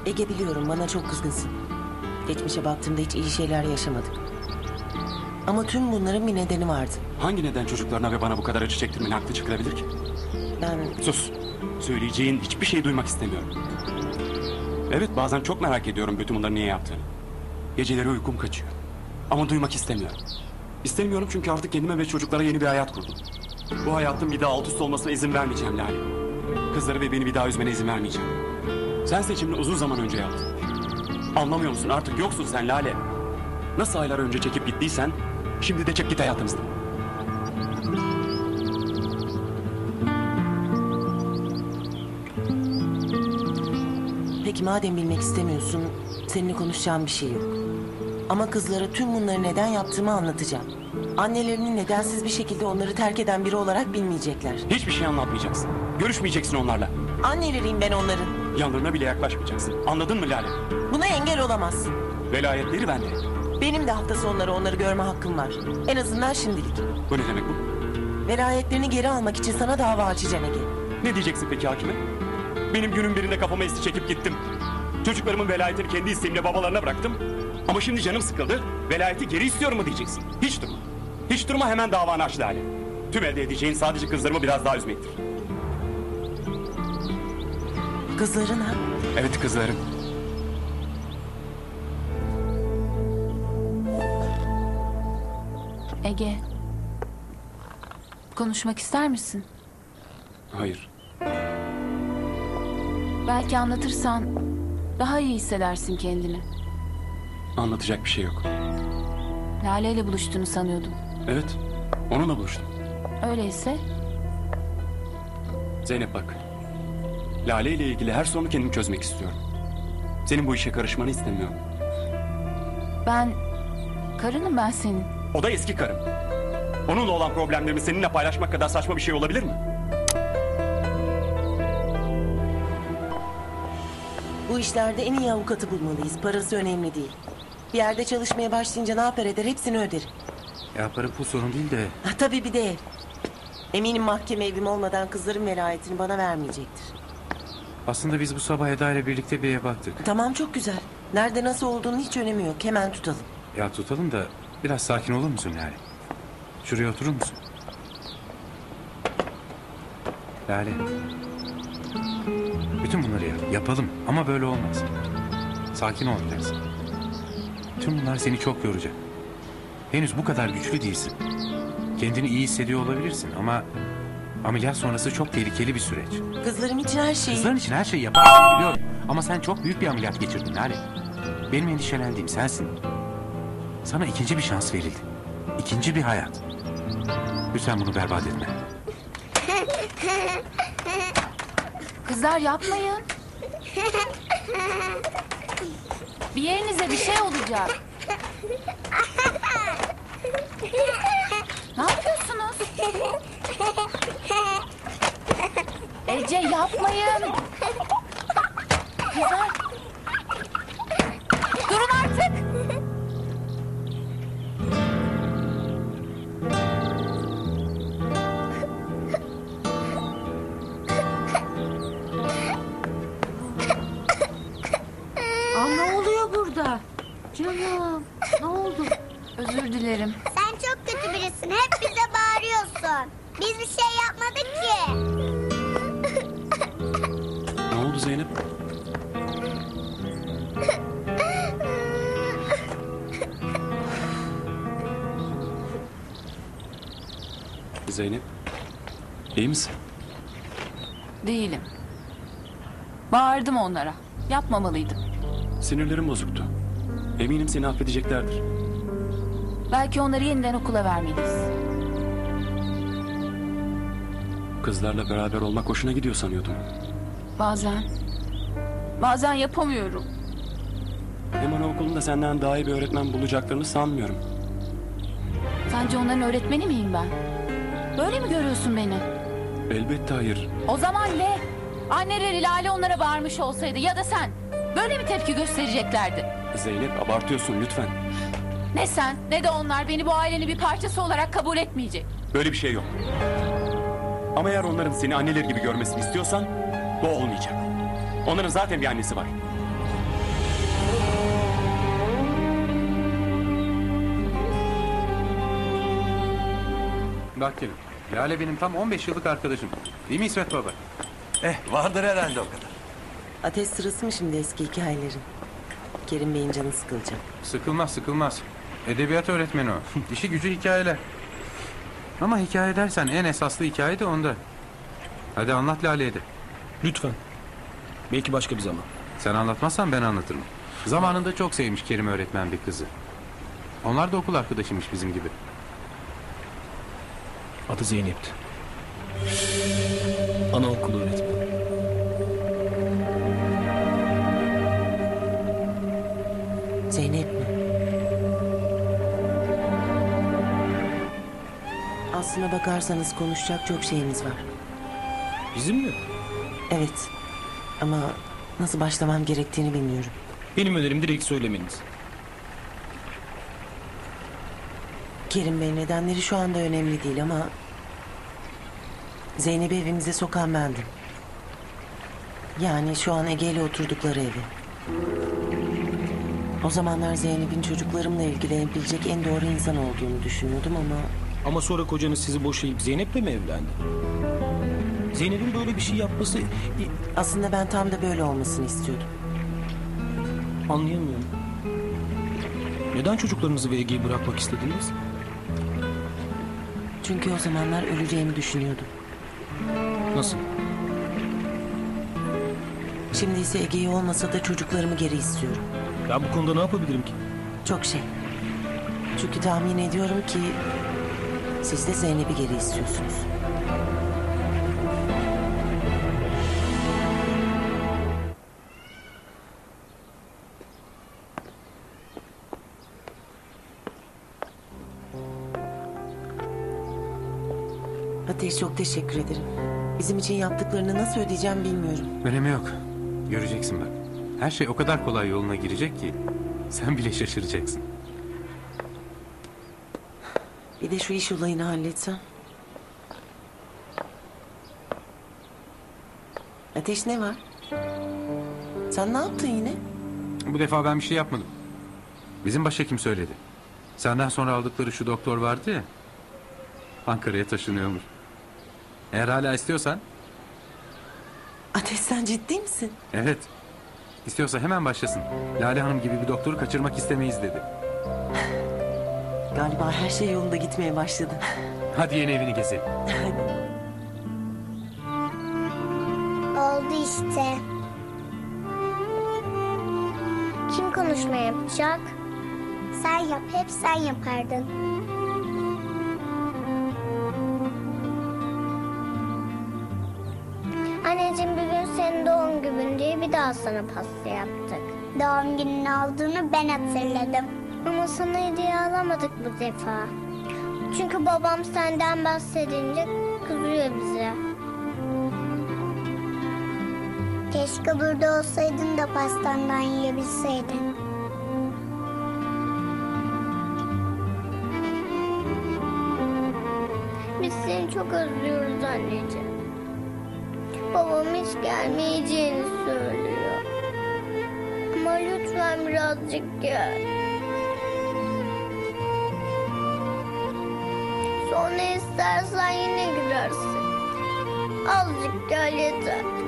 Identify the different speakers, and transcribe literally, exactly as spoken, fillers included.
Speaker 1: Ege, biliyorum bana çok kızgınsın. Geçmişe baktığımda hiç iyi şeyler yaşamadık. Ama tüm bunların bir nedeni vardı.
Speaker 2: Hangi neden çocuklarına ve bana bu kadar acı çektirmenin haklı çıkarabilir ki?
Speaker 1: Ben...
Speaker 2: Sus. Söyleyeceğin hiçbir şey duymak istemiyorum. Evet, bazen çok merak ediyorum bütün bunları niye yaptığını. Geceleri uykum kaçıyor. Ama duymak istemiyorum. İstemiyorum çünkü artık kendime ve çocuklara yeni bir hayat kurdum. Bu hayatın bir daha alt üst olmasına izin vermeyeceğim Lale. Kızları ve beni bir daha üzmene izin vermeyeceğim. Sen seçimini uzun zaman önce yaptın. Anlamıyor musun? Artık yoksun sen Lale. Nasıl aylar önce çekip gittiysen şimdi de çek git hayatımızdan.
Speaker 1: Peki madem bilmek istemiyorsun, seninle konuşacağım bir şey yok. Ama kızlara tüm bunları neden yaptığımı anlatacağım. Annelerinin nedensiz bir şekilde onları terk eden biri olarak bilmeyecekler.
Speaker 2: Hiçbir şey anlatmayacaksın. Görüşmeyeceksin onlarla.
Speaker 1: Anneleriyim ben onların.
Speaker 2: Yanlarına bile yaklaşmayacaksın. Anladın mı Lale?
Speaker 1: Buna engel olamazsın.
Speaker 2: Velayetleri bende.
Speaker 1: Benim de hafta sonları onları görme hakkım var. En azından şimdilik.
Speaker 2: Bu ne demek bu?
Speaker 1: Velayetlerini geri almak için sana dava açacağım Ege.
Speaker 2: Ne diyeceksin peki hakime? Benim günün birinde kafama esti çekip gittim. Çocuklarımın velayetini kendi isteğimle babalarına bıraktım. Ama şimdi canım sıkıldı. Velayeti geri istiyorum mu diyeceksin? Hiç durma. Hiç durma, hemen davanı aç Lale. Tüm elde edeceğin sadece kızlarımı biraz daha üzmektir.
Speaker 1: Kızların ha?
Speaker 2: Evet, kızlarım.
Speaker 3: Ege. Konuşmak ister misin?
Speaker 2: Hayır.
Speaker 3: Belki anlatırsan daha iyi hissedersin kendini.
Speaker 2: Anlatacak bir şey yok.
Speaker 3: Lale ile buluştuğunu sanıyordum.
Speaker 2: Evet. Onunla buluştum.
Speaker 3: Öyleyse
Speaker 2: Zeynep bak. Lale ile ilgili her sorunu kendim çözmek istiyorum. Senin bu işe karışmanı istemiyorum.
Speaker 3: ben... Karınım ben senin.
Speaker 2: O da eski karım. Onunla olan problemlerimi seninle paylaşmak kadar saçma bir şey olabilir mi?
Speaker 1: Bu işlerde en iyi avukatı bulmalıyız. Parası önemli değil. Bir yerde çalışmaya başlayınca ne yapar eder hepsini öderim.
Speaker 4: Ya para pul sorun değil de...
Speaker 1: Ha, tabii bir de ev. Eminim mahkeme evim olmadan kızların velayetini bana vermeyecektir.
Speaker 4: Aslında biz bu sabah Eda ile birlikte bir eve baktık.
Speaker 1: Tamam, çok güzel. Nerede nasıl olduğunun hiç önemi yok. Hemen tutalım.
Speaker 4: Ya tutalım da biraz sakin olur musun Lale? Şuraya oturur musun? Lale. Bütün bunları yap, yapalım ama böyle olmaz. Sakin ol biraz. Tüm bunlar seni çok yoracak. Henüz bu kadar güçlü değilsin. Kendini iyi hissediyor olabilirsin ama... ameliyat sonrası çok tehlikeli bir süreç.
Speaker 1: Kızlarım için her şeyi...
Speaker 4: Kızların için her şeyi yaparsın biliyorum. Ama sen çok büyük bir ameliyat geçirdin Lale. Benim endişelendiğim sensin. Sana ikinci bir şans verildi. İkinci bir hayat. Lütfen bunu berbat etme.
Speaker 3: Kızlar yapmayın. Bir yerinize bir şey olacak. Ne yapıyorsunuz? Ece, yapmayın. Kızlar. Durun artık. Aa, ne oluyor burada? Canım, ne oldu? Özür dilerim.
Speaker 5: Sen çok kötü birisin. Hep bize bağırıyorsun. Biz bir şey yapmadık ki.
Speaker 2: Ne oldu Zeynep? Zeynep, iyi misin?
Speaker 3: Değilim. Bağırdım onlara. Yapmamalıydım.
Speaker 2: Sinirlerim bozuktu. Eminim seni affedeceklerdir.
Speaker 3: Belki onları yeniden okula vermeliyiz.
Speaker 2: Kızlarla beraber olmak hoşuna gidiyor sanıyordum.
Speaker 3: Bazen. Bazen yapamıyorum.
Speaker 2: Hem anaokulunda senden daha iyi bir öğretmen bulacaklarını sanmıyorum.
Speaker 3: Sence onların öğretmeni miyim ben? Böyle mi görüyorsun beni?
Speaker 2: Elbette hayır.
Speaker 3: O zaman ne? Anneleri Lale onlara bağırmış olsaydı ya da sen böyle mi tepki göstereceklerdi?
Speaker 2: Zeynep, abartıyorsun lütfen.
Speaker 3: Ne sen ne de onlar beni bu ailenin bir parçası olarak kabul etmeyecek.
Speaker 2: Böyle bir şey yok. Ama eğer onların seni anneleri gibi görmesini istiyorsan bu olmayacak. Onların zaten bir annesi var.
Speaker 4: Bak gelin. Lale benim tam on beş yıllık arkadaşım. Değil mi İsmet Baba?
Speaker 6: Eh vardır herhalde o kadar.
Speaker 1: Ateş sırası mı şimdi eski hikayelerin? Kerim Bey'in canı sıkılacak.
Speaker 4: Sıkılmaz sıkılmaz. Edebiyat öğretmeni o. İşi gücü hikayeler. Ama hikaye dersen en esaslı hikaye de onda. Hadi anlat Lale'ye de.
Speaker 6: Lütfen. Belki başka bir zaman.
Speaker 4: Sen anlatmazsan ben anlatırım. Zamanında çok sevmiş Kerim öğretmen bir kızı. Onlar da okul arkadaşıymış bizim gibi.
Speaker 6: Adı Zeynep'ti. Anaokulu öğretmeni.
Speaker 1: Zeynep mi? Aslına bakarsanız konuşacak çok şeyimiz var.
Speaker 6: Bizim mi?
Speaker 1: Evet. Ama nasıl başlamam gerektiğini bilmiyorum.
Speaker 6: Benim önerim direkt söylemeniz.
Speaker 1: Kerim Bey, nedenleri şu anda önemli değil ama... Zeynep'i evimize sokan bendim. Yani şu an Ege ile oturdukları evi. O zamanlar Zeynep'in çocuklarımla ilgilenebilecek en doğru insan olduğunu düşünüyordum ama...
Speaker 6: Ama sonra kocanız sizi boşayıp Zeynep'le mi evlendi? Zeynep'in böyle bir şey yapması...
Speaker 1: Aslında ben tam da böyle olmasını istiyordum.
Speaker 6: Anlayamıyorum. Neden çocuklarınızı ve Ege'yi bırakmak istediniz?
Speaker 1: Çünkü o zamanlar öleceğimi düşünüyordum.
Speaker 6: Nasıl?
Speaker 1: Şimdi ise Ege'yi olmasa da çocuklarımı geri istiyorum.
Speaker 6: Ben bu konuda ne yapabilirim ki?
Speaker 1: Çok şey. Çünkü tahmin ediyorum ki... Siz de Zeynep'i geri istiyorsunuz. Ateş, çok teşekkür ederim. Bizim için yaptıklarını nasıl ödeyeceğim bilmiyorum.
Speaker 4: Önemi yok. Göreceksin bak. Her şey o kadar kolay yoluna girecek ki... Sen bile şaşıracaksın.
Speaker 1: Bir de şu iş olayını halletsem. Ateş, ne var? Sen ne yaptın yine?
Speaker 4: Bu defa ben bir şey yapmadım. Bizim başhekim söyledi. Senden sonra aldıkları şu doktor vardı ya... Ankara'ya taşınıyormuş. Eğer hala istiyorsan...
Speaker 1: Ateş, sen ciddi misin?
Speaker 4: Evet. İstiyorsa hemen başlasın. Lale Hanım gibi bir doktoru kaçırmak istemeyiz dedi.
Speaker 1: Galiba her şey yolunda gitmeye başladı.
Speaker 4: Hadi yeni evini gezelim.
Speaker 5: Oldu işte. Kim konuşma yapacak? Sen yap, hep sen yapardın. Anneciğim, bir gün senin doğum günün diye bir daha sana pasta yaptık. Doğum gününün olduğunu ben hatırladım. Ama sana hediye alamadık bu defa. Çünkü babam senden bahsedince kızıyor bize. Keşke burada olsaydın da pastandan yiyebilseydin. Biz seni çok özlüyoruz anneciğim. Babam hiç gelmeyeceğini söylüyor. Ama lütfen birazcık gel. Sonra istersen yine girersin. Azıcık gel yeter.